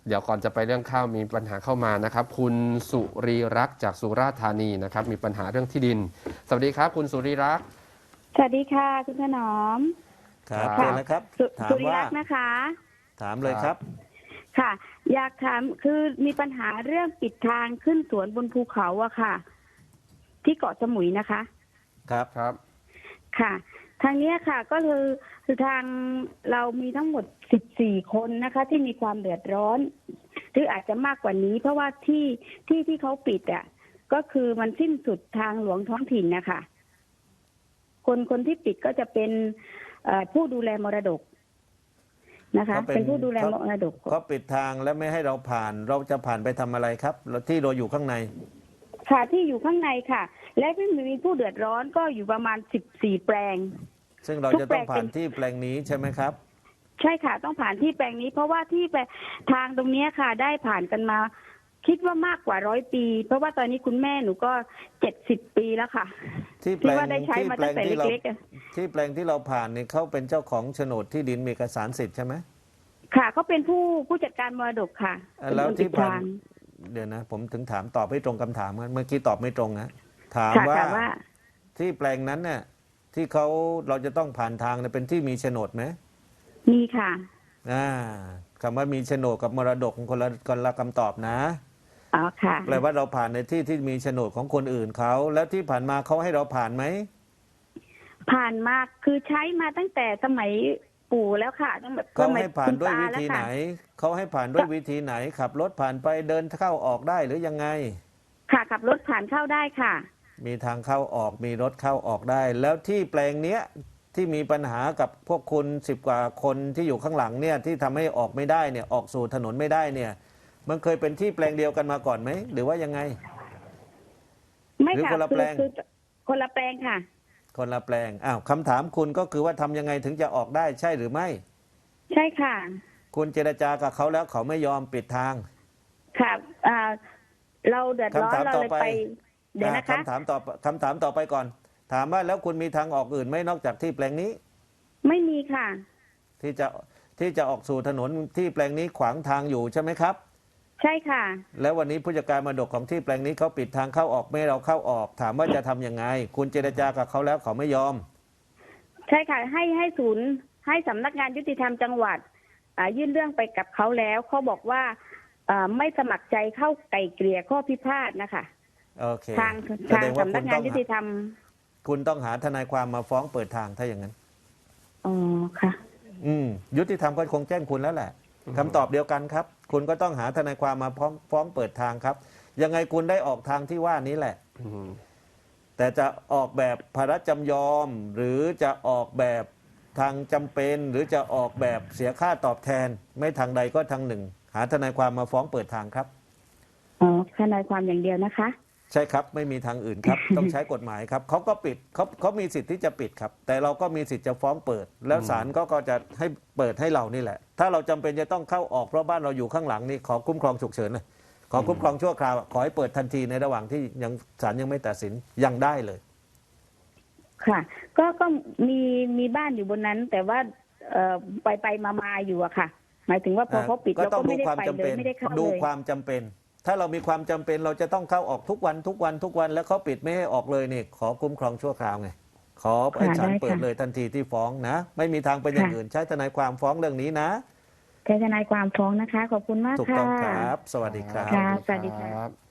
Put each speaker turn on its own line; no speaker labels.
เดี๋ยวก่อนจะไปเรื่องข้าวมีปัญหาเข้ามานะครับคุณสุรีรักษ์จากสุราษฎร์ธานีนะครับมีปัญหาเรื่องที่ดินสวัสดีครับคุณสุรีรักษ์
สวัสดีค่ะคุณถนอม
ครับ
ครั
เชิญ
บ
นะครับถาม
สุริ
ว่า
รักษ์นะคะ
ถามเลยครับ
ค่ะ อยากถามคือมีปัญหาเรื่องปิดทางขึ้นสวนบนภูเขาอะค่ะ ที่เกาะสมุยนะคะ
ครับ
ครับ
ค่ะ ทางเนี้ยค่ะ ก็คือทางเรามีทั้งหมด14 คนนะคะ ที่มีความเดือดร้อน หรืออาจจะมากกว่านี้ เพราะว่าที่เขาปิดอะก็คือมันสิ้นสุดทางหลวงท้องถิ่นนะคะคนที่ปิดก็จะเป็นผู้ดูแลมรดกนะคะ เป็นผู้ดูแลมรดก
เขาปิดทางแล้วไม่ให้เราผ่าน เราจะผ่านไปทำอะไรครับที่เราอยู่ข้างใน
ค่ะที่อยู่ข้างในค่ะ และที่มีผู้เดือดร้อนก็อยู่ประมาณ14 แปลง
ซึ่งเราจะต้องผ่านที่แปลงนี้ใช่ไหมครับ
ใช่ค่ะต้องผ่านที่แปลงนี้ เพราะว่าที่ทางตรงนี้ค่ะ ได้ผ่านกันมา คิดว่ามากกว่า100 ปี เพราะว่าตอนนี้คุณแม่หนูก็70 ปีแล้วค่ะ
ที่แปลง
ว่าได้ใช้มาตั้งแต่เล็ก
ๆที่แปลงที่เราผ่านเนี่ยเขาเป็นเจ้าของโฉนดที่ดินมีเอกสารสิทธิ์ใช่ไหม
ค่ะเขาเป็นผู้จัดการมรดกค่ะ
แล้วที่ผ่านเดี๋ยวนะผมถึงถามตอบไม่ตรงคำถามเมื่อกี้ตอบไม่ตรงนะถามว่าที่แปลงนั้นเนี่ยที่เราจะต้องผ่านทางเนี่ยเป็นที่มีโฉนดไหม
มีค่ะ
คำว่ามีโฉนดกับมรดกคนละคำตอบนะ
อ๋อค่ะ
แปลว่าเราผ่านในที่มีโฉนดของคนอื่นเขาแล้วที่ผ่านมาเขาให้เราผ่านไหม
ผ่านมาคือใช้มาตั้งแต่สมัยปู่แล้วค่ะตั้งแต่
เขาให้ผ่านด้วยวิธีไหนเขาให้ผ่านด้วยวิธีไหนขับรถผ่านไปเดินเข้าออกได้หรือยังไง
ค่ะขับรถผ่านเข้าได้ค่ะ
มีทางเข้าออกมีรถเข้าออกได้แล้วที่แปลงเนี้ยที่มีปัญหากับพวกคุณ10 กว่าคนที่อยู่ข้างหลังเนี่ยที่ทำให้ออกไม่ได้เนี่ยออกสู่ถนนไม่ได้เนี่ยมันเคยเป็นที่แปลงเดียวกันมาก่อนไหมหรือว่ายังไง
ไม่ค่ะคนละแปลงคนละแปลงค่ะ
คนละแปลงคำถามคุณก็คือว่าทำยังไงถึงจะออกได้ใช่หรือไม่
ใช่ค่ะ
คุณเจรจากับเขาแล้วเขาไม่ยอมปิดทาง
ค่ะเราเดือดร้อนเราเลยไปเดี๋ยวนะคะ
คำถามต่อไปก่อนถามว่าแล้วคุณมีทางออกอื่นไหมนอกจากที่แปลงนี้
ไม่มีค่ะ
ที่จะออกสู่ถนนที่แปลงนี้ขวางทางอยู่ใช่ไหมครับ
ใช่ค่ะ
แล้ววันนี้ผู้จัดการมรดกของที่แปลงนี้เขาปิดทางเข้าออกไม่ให้เราเข้าออกถามว่าจะทำยังไงคุณเจรจากับเขาแล้วเขาไม่ยอม
ใช่ค่ะให้ศูนย์ให้สำนักงานยุติธรรมจังหวัดยื่นเรื่องไปกับเขาแล้วเขาบอกว่าไม่สมัครใจเข้าไกล่เกลี่ยข้อพิพาทนะคะ
โอเค
ทางสำนักงานยุติธรรม
คุณต้องหาทนายความมาฟ้องเปิดทางถ้าอย่างนั้น
อ๋อค่ะ
ยุติธรรมก็คงแจ้งคุณแล้วแหละคำตอบเดียวกันครับคุณก็ต้องหาทนายความมาฟ้องเปิดทางครับยังไงคุณได้ออกทางที่ว่านี้แหละแต่จะออกแบบภาระจำยอมหรือจะออกแบบทางจำเป็นหรือจะออกแบบเสียค่าตอบแทนไม่ทางใดก็ทางหนึ่งหาทนายความมาฟ้องเปิดทางครับ
อ๋อทนายความอย่างเดียวนะคะ
ใช่ครับไม่มีทางอื่นครับ ต้องใช้กฎหมายครับเขาก็ปิดเขามีสิทธิ์ที่จะปิดครับแต่เราก็มีสิทธิ์จะฟ้องเปิดแล้วศาลก็จะให้เปิดให้เรานี่แหละถ้าเราจำเป็นจะต้องเข้าออกเพราะบ้านเราอยู่ข้างหลังนี่ขอคุ้มครองฉุกเฉินเลยขอคุ้มครองชั่วคราวขอให้เปิดทันทีในระหว่างที่ยังศาลยังไม่ตัดสินยังได้เลย
ค่ะก็มีบ้านอยู่บนนั้นแต่ว่าไปมาอยู่อะค่ะหมายถึงว่าพอเขาปิดเราก็ไม่ได้ไปเลยไม่ได้เข้าเลย
ดูความจำเป็นถ้าเรามีความจำเป็นเราจะต้องเข้าออกทุกวันแล้วเขาปิดไม่ให้ออกเลยนี่ขอคุ้มครองชั่วคราวไงขอให้ศาลเปิดเลยทันทีที่ฟ้องนะไม่มีทางเป็นอย่างอื่นใช้ทนายความฟ้องเรื่องนี้นะ
ใช้ทนายความฟ้องนะคะขอบคุณมากค่ะ
ถูกต้องครับสวัสดีครับ
สวัสดีค่ะ